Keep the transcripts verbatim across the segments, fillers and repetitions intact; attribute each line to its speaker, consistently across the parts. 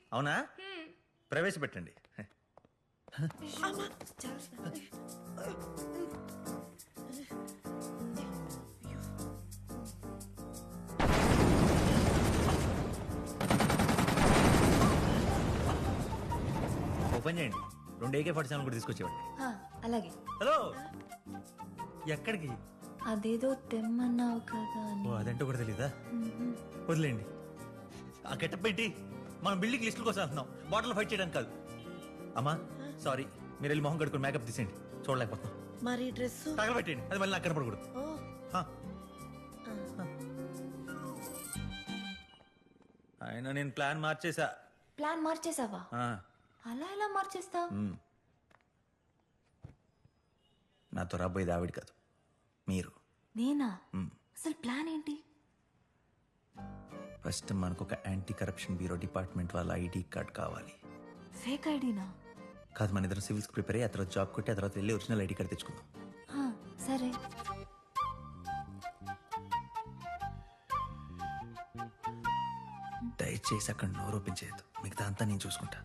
Speaker 1: అవునా ప్రవేశపెట్టండి. ఓపెన్ చేయండి. రెండు ఏకే ఫార్టీ సెవెన్ కూడా తీసుకొచ్చేవాడి.
Speaker 2: హా, అలాగే.
Speaker 1: హలో, ఎక్కడికి?
Speaker 2: అదేదో తెమ్మన్నావు కదా అని.
Speaker 1: ఓ అదంటూ కూడా తెలీదా? వదిలేండి. ఆ గెటప్ పెట్టి మనం బిల్డింగ్ లిస్టుల కోసం వెళ్తున్నాం, బాటిల్ ఫైట్ చేయడానికి కాదు. అమ్మా సారీ, మీరు వెళ్ళి మొహం కడుకుని మేకప్ తీసేయండి, చూడలేకపోతున్నాం.
Speaker 3: మరి డ్రెస్
Speaker 1: తగలబెట్టండి, అది మళ్ళీ నాకు కనపడకూడదు. హా. అయినా నేను ప్లాన్ మార్చేసా.
Speaker 2: ప్లాన్ మార్చేసావా?
Speaker 1: ఆ,
Speaker 2: అలా ఎలా మార్చేస్తావు?
Speaker 1: నాతో రాబోయేది ఆవిడ కాదు, మీరు.
Speaker 2: నేనా? అసలు ప్లాన్ ఏంటి?
Speaker 1: ఫస్ట్ మనకు ఒక యాంటీ కరప్షన్ బ్యూరో డిపార్ట్మెంట్ వాళ్ళ ఐడి కార్డ్ కావాలి.
Speaker 2: ఫేక్ ఐడినా?
Speaker 1: కాదు, మన ఇద్దరు సివిల్స్ ప్రిపేర్ అయ్యి ఆ తర్వాత జాబ్ కొట్టి ఆ తర్వాత వెళ్ళి ఒరిజినల్ ఐడి కార్డ్ తెచ్చుకుందాం.
Speaker 2: హా, సరే.
Speaker 1: దయచేసి అక్కడ నోరు ఓపెన్ చేయొద్దు, మిగతా అంతా నేను చూసుకుంటా.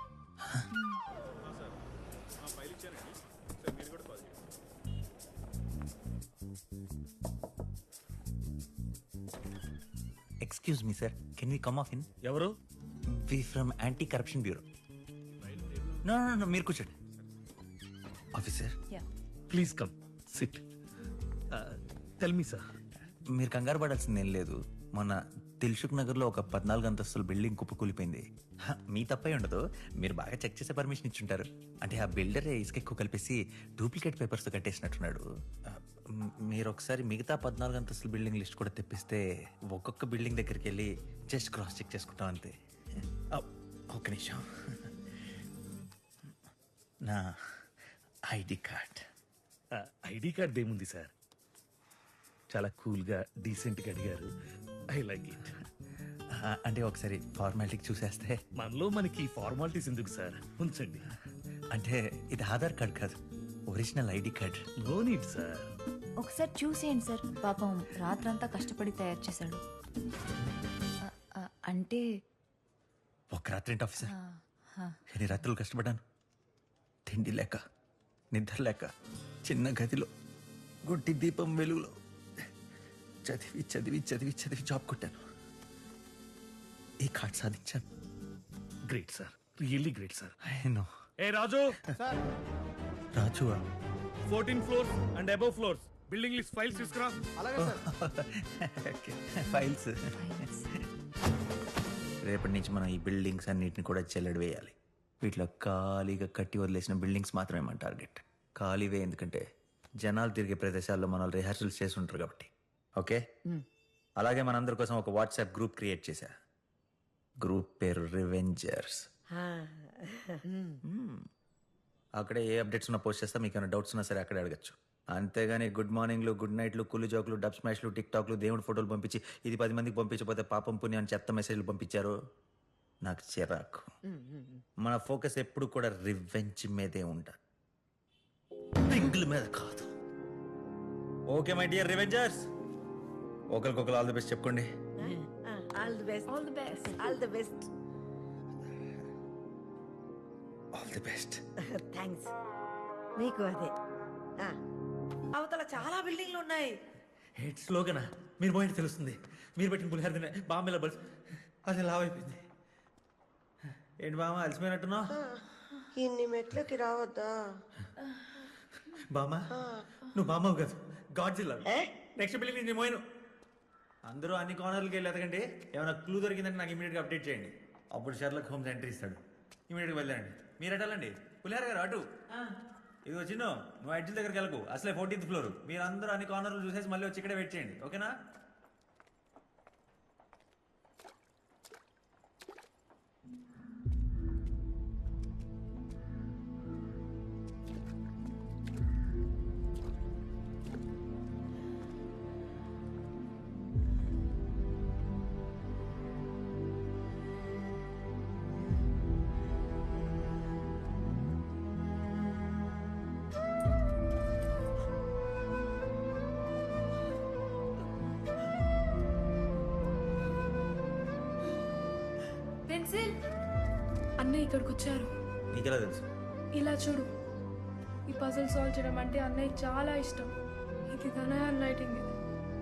Speaker 1: Excuse me sir, can we come off in?
Speaker 4: ఎవరు?
Speaker 1: We from anti corruption bureau. No no no, మీరు కూర్చోండి. Officer
Speaker 4: please come sit. Tell me sir.
Speaker 1: మీరు కంగారు పడాల్సింది ఏం లేదు. మొన్న దిల్సుఖ్ నగర్ లో ఒక పద్నాలుగు అంతస్తుల బిల్డింగ్ కుప్పకూలిపోయింది. హ, మీ తప్పే ఉండదు, మీరు బాగా చెక్ చేసే పర్మిషన్ ఇచ్చుంటారు. అంటే ఆ బిల్డర్ ఇసుక ఎక్కువ కలిపేసి డూప్లికేట్ పేపర్స్ తో కట్టేసినట్టున్నాడు. ఆ, మ్, మీరు ఒకసారి మిగతా పద్నాలుగు అంతస్తుల బిల్డింగ్ లిస్ట్ కూడా తెప్పిస్తే ఒక్కొక్క బిల్డింగ్ దగ్గరికి వెళ్ళి జస్ట్ క్రాస్ చెక్ చేసుకుంటాం అంతే. ఆ, ఒక్క నిమిషం. నా ఐడి కార్డ్.
Speaker 4: ఐడి కార్డ్ ఏముంది సార్, చాలా కూల్గా డీసెంట్గా అడిగారు. I like it.
Speaker 1: అంటే ఒకసారి ఫార్మాలిటీకి చూసేస్తే.
Speaker 4: మనలో మనకి ఫార్మాలిటీస్ ఎందుకు సార్, ఉంచండి.
Speaker 1: అంటే ఇది ఆధార్ కార్డ్ కాదు, original ID card.
Speaker 4: No need sir.
Speaker 2: ఒకసారి చూసేయండి సార్, పాపం రాత్రంతా కష్టపడి తయారు చేశాడు. ఆ, ఆ, అంటే
Speaker 1: ఒక రాత్రి ఏంటి ఆఫీసర్,
Speaker 2: ఆ, ఆ,
Speaker 1: ఎన్ని రాత్రులు కష్టపడ్డాను. తిండి లేక, నిద్ర లేక, చిన్న గదిలో గుడ్డి దీపం వెలుగులో చదివి చదివి చదివి చదివి జాబ్ కొట్టాను. ఈ కార్డ్ సాధించాను.
Speaker 4: Great sir, really great sir.
Speaker 1: No
Speaker 4: ఏ Raju,
Speaker 1: Raju
Speaker 4: fourteen floors and above floors building list files తీసుకురా.
Speaker 1: ఫైల్స్.
Speaker 2: ఫైల్స్.
Speaker 1: రేపటి నుంచి మనం ఈ బిల్డింగ్స్ అన్నిటిని కూడా చెల్లడి వేయాలి. వీటిలో ఖాళీగా కట్టి వదిలేసిన బిల్డింగ్స్ మాత్రమే మన టార్గెట్. ఖాళీవే ఎందుకంటే జనాలు తిరిగే ప్రదేశాల్లో మన రిహార్సల్స్ చేసి ఉంటారు కాబట్టి. ఓకే, అలాగే మనందరి కోసం ఒక వాట్సాప్ గ్రూప్ క్రియేట్ చేశా. గ్రూప్ పేరు రివెంజర్స్. అక్కడే ఏ అప్డేట్స్ ఉన్నా పోస్ట్ చేస్తా, మీకు ఏమైనా డౌట్స్ ఉన్నా సరే అక్కడే అడగచ్చు. అంతేగాని గుడ్ మార్నింగ్లు, గుడ్ నైట్లు, కుళ్ళు జోకులు, డబ్ స్మాష్లు, టిక్ టాక్లు, దేవుడి ఫోటోలు పంపించి ఇది పది మందికి పంపించకపోతే పాపం పుణ్యం అని చెత్త మెసేజ్లు పంపించారు. నాకు చిరాకు. మన ఫోకస్ ఎప్పుడు కూడా రివెంజ్ మీదే ఉండాలి, పింగుల మీద కాదు. ఓకే మై డియర్ రివెంజర్స్, ఒకరికొకరు ఆల్ ది బెస్ట్ చెప్పుకోండి.
Speaker 3: All the best. All the best. All the best.
Speaker 1: All the best.
Speaker 3: Thanks. మీకు అదే. ఆ, అవతల చాలా బిల్డింగ్లు ఉన్నాయి.
Speaker 1: హెడ్ స్లోగనా మీరు పోయింది తెలుస్తుంది. మీరు పెట్టిన పులిహార తినే బామ్మ బల్స్ అది లావ్ అయిపోయింది. ఏంటి బామ్మ అలసిపోయినట్టున్నావు?
Speaker 3: ఇన్ని మెట్లకి రావద్దా?
Speaker 1: బామ్మ నువ్వు బామ్మవు కాదు, గాడ్ జిల్లా. నెక్స్ట్ బిల్డింగ్ నేను పోయిను. అందరూ అన్ని కార్నర్లకి వెళ్ళి ఎతకండి. ఏమైనా క్లూ దొరికిందంటే నాకు ఇమీడియట్గా అప్డేట్ చేయండి. అప్పుడు షర్లకు హోమ్స్ ఎంట్రీ ఇస్తాడు. ఇమీడియట్గా వెళ్ళండి. మీరు ఎటాలండి పులిహార గారు అటు. ఇది వచ్చిన నువ్వు ఎడ్జిల్ దగ్గరికి వెళ్ళకు, అసలే ఫోర్టీన్త్ ఫ్లోర్. మీరు అందరూ అన్ని కార్నర్లు చూసేసి మళ్ళీ వచ్చి ఇక్కడే వెయిట్ చేయండి, ఓకేనా?
Speaker 5: అన్నయ్య ఇక్కడికి వచ్చారు.
Speaker 1: నీకెలా తెలుసు?
Speaker 5: ఇలా చూడు, ఈ పజిల్ సాల్వ్ చేయడం అంటే అన్నయ్య చాలా ఇష్టం. ఇది తన హ్యాండ్ రైటింగ్. ఇది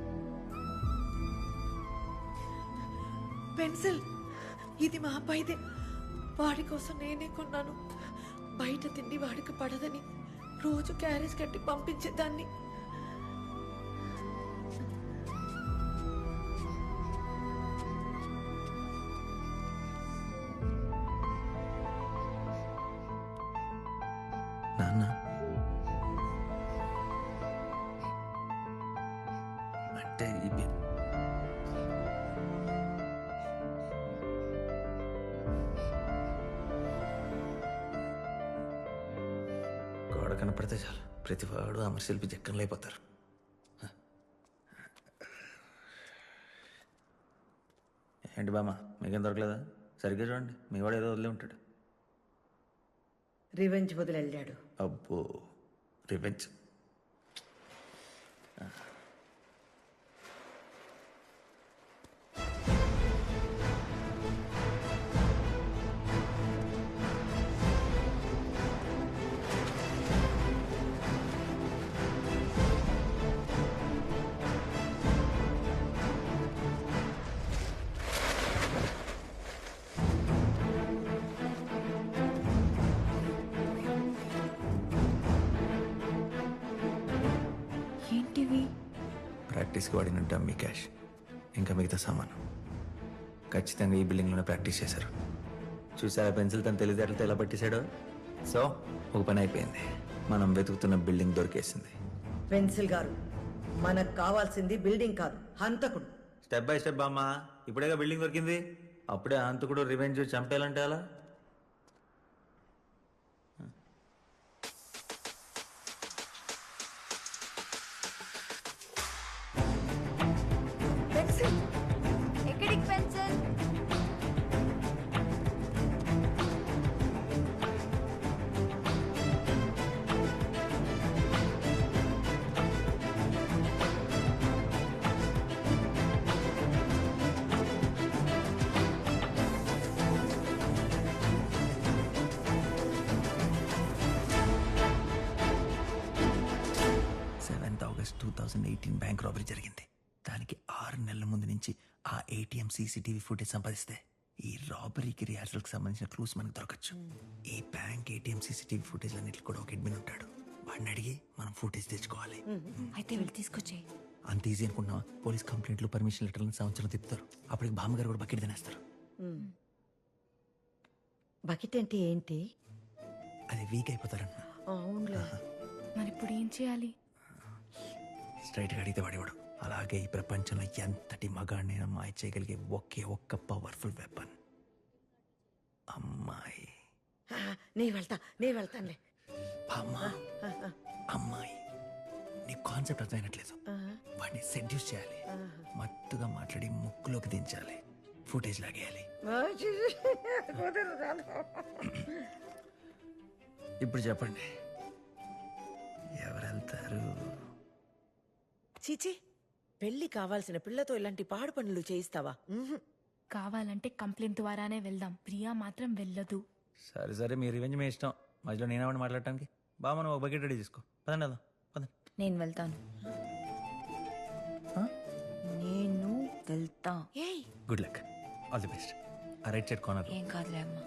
Speaker 3: పెన్సిల్ ఇది మా అబ్బాయిదే. వాడి కోసం నేనే కొన్నాను. బయట తిండి వాడికి పడదని రోజు క్యారేజ్ కట్టి పంపించేదాన్ని.
Speaker 1: నాన్న అంటే ఇవి గోడ కనపడితే చాలు ప్రతివాడు అమర శిల్పి జక్కన్లు అయిపోతారు. ఏంటి బామ్మ మీకేం దొరకలేదా? సరిగ్గా చూడండి, మీ వాడు ఏదో వదిలే ఉంటాడు.
Speaker 3: రివెంజ్ వదిలెళ్ళాడు.
Speaker 1: అబ్బో రివెంజ్.
Speaker 2: ఏంటివి?
Speaker 1: ప్రాక్టీస్కి వాడిన డమ్మీ క్యాష్, ఇంకా మిగతా సామాను ఖచ్చితంగా ఈ బిల్డింగ్లోనే ప్రాక్టీస్ చేశారు. చూసారా పెన్సిల్ తన తెలివితేటలతో ఎలా పట్టేశాడో. సో ఒక పని అయిపోయింది, మనం వెతుకుతున్న బిల్డింగ్ దొరికేసింది.
Speaker 3: పెన్సిల్ గారు, మనకు కావాల్సింది బిల్డింగ్ కాదు, హంతకుడు.
Speaker 1: స్టెప్ బై స్టెప్ అమ్మా. ఇప్పుడేగా బిల్డింగ్ దొరికింది, అప్పుడే హంతకుడు రివెంజ్ చంపేయాలంటే అలా.
Speaker 3: పెన్సిల్
Speaker 2: ఎక్కడికి pencil?
Speaker 1: Seventh August two thousand eighteen bank robbery జరిగింది. దానికి ఆరు నెలల ముందు నుంచి ఆ ఏటీఎం సీసీటీవీ ఫుటేజ్ సంపాదిస్తే ఈ రాబరీకి రిహార్సల్కి సంబంధించిన క్లూస్ మనకు దొరకచ్చు. ఈ బ్యాంక్ ఏటీఎం సీసీటీవీ ఫుటేజ్ అన్నిటికి కూడా ఒక అడ్మిన్ ఉంటాడు. వాడిని అడిగి మనం ఫుటేజ్ తెచ్చుకోవాలి.
Speaker 2: అయితే వెళ్ళి తీసుకొచ్చేయి.
Speaker 1: అంత ఈజీ అనుకున్నావా? పోలీస్ కంప్లైంట్లు, పర్మిషన్ లెటర్లను సంవత్సరం తిప్పుతారు. అప్పటికి బామ్మగారు కూడా బకెట్ తినేస్తారు.
Speaker 3: బకెట్ అంటే ఏంటి?
Speaker 1: అది వీక్ అయిపోతారన్న.
Speaker 3: అవునులే.
Speaker 5: మరి ఇప్పుడు ఏం చేయాలి?
Speaker 1: స్ట్రైట్గా అడిగితే వాడేవాడు. అలాగే ఈ ప్రపంచంలో ఎంతటి మగాడినైనా మాయ చేయగలిగే ఒకే ఒక్క పవర్ఫుల్ వెపన్ అమ్మాయి.
Speaker 3: ఆ, నే వెళ్తా నే వెళ్తానులే.
Speaker 1: అమ్మా అమ్మాయి, నీ కాన్సెప్ట్ అర్థమైనట్లేదు. వాడిని సెడ్యూస్ చేయాలి, మత్తుగా మాట్లాడి ముక్కులోకి దించాలి, ఫుటేజ్ లాగేయాలి. ఇప్పుడు చెప్పండి, ఎవరు వెళ్తారు?
Speaker 3: చీచి, పెళ్లి కావాల్సిన పిల్లతో ఇలాంటి పాడు పనులు చేయిస్తావా?
Speaker 5: కావాలంటే కంప్లైంట్ ద్వారానే వెళ్దాం. ప్రియా మాత్రం వెళ్ళదు.
Speaker 1: సరే సరే, మీ రివెంజ్ మీ ఇష్టం. మధ్యలో నేనేమని మాట్లాడటానికి? బాగా మనం ఒక బకెట్ రెడీ చేసుకో. పదండి వెళ్దాం, పదండి.
Speaker 2: నేను వెళ్తాను. నేను వెళ్తా.
Speaker 3: ఏయ్,
Speaker 1: good luck, all the best. ఆ రైట్ సైడ్ కార్నర్.
Speaker 2: ఏం కాదులే అమ్మా.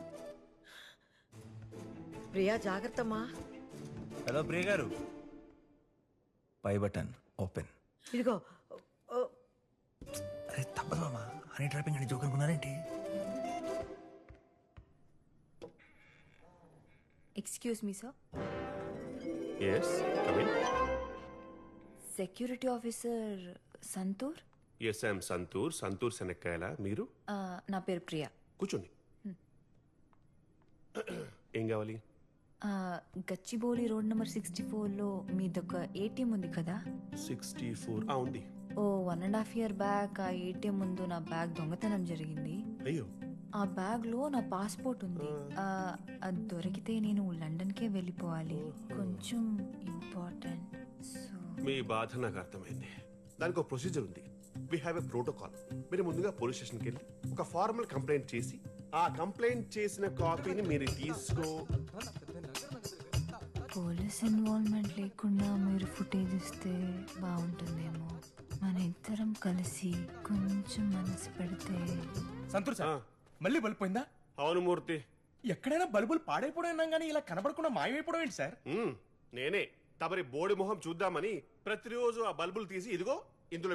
Speaker 3: ప్రియా జాగ్రత్తమ్మా.
Speaker 1: హలో ప్రియ గారు, పై బటన్ ఓపెన్.
Speaker 3: ఇదిగో. ఓ,
Speaker 1: అరే తప్పదు మామా, హనీ ట్రాపింగ్ అని జోక్ అనుకున్నారేంటి?
Speaker 2: Excuse me sir.
Speaker 6: Yes, come in.
Speaker 2: Security officer Santoor.
Speaker 6: Yes, I am Santoor Santoor Shanakkayala. మీరు
Speaker 2: ఆ, నా పేరు ప్రియా.
Speaker 6: కూర్చోండి. ఏం కావాలి?
Speaker 2: ఆ, గచ్చిబౌలి రోడ్ నెంబర్ సిక్స్టీ ఫోర్లో మీదొక ఏటీఎం ఉంది కదా?
Speaker 6: సిక్స్టీ ఫోర్ ఉంది.
Speaker 2: Oh one and half year back ఆ ఏటీఎం ముందు నా బ్యాగ్ దొంగతనం జరిగింది.
Speaker 6: అయ్యో,
Speaker 2: ఆ బ్యాగ్ లో నా పాస్పోర్ట్ ఉంది. ఆ, అది దొరికితే నేను లండన్కే వెళ్ళిపోవాలి. కొంచెం ఇంపార్టెంట్. సో
Speaker 6: మీ బాధ నాకు అర్థమైంది. దానికి ఒక ప్రొసీజర్ ఉంది. We have a protocol. మీరు ముందుగా పోలీస్ స్టేషన్కి వెళ్ళి ఒక ఫార్మల్ కంప్లైంట్ చేసి ఆ కంప్లైంట్ చేసిన కాపీని మీరు తీసుకో.
Speaker 2: పోలీస్ ఇన్వాల్వ్మెంట్ లేకుండా మీరు ఫుటేజ్ ఇస్తే బాగుంటుందేమో. మన ఇద్దరం కలిసి కొంచెం మనసు పెడితే.
Speaker 7: సంతూర్
Speaker 6: ఆ,
Speaker 7: సార్ మళ్ళీ బల్బు పోయిందా?
Speaker 6: అవును మూర్తి.
Speaker 7: ఎక్కడైనా బల్బులు పాడైపోవడం విన్నాం కానీ ఇలా కనబడకుండా మాయమైపోవడం ఏంటి సార్?
Speaker 6: మ్మ్, నేనే తమరి బోడి మొహం చూద్దామని ప్రతిరోజు ఆ బల్బులు తీసి ఇదిగో ఇందులో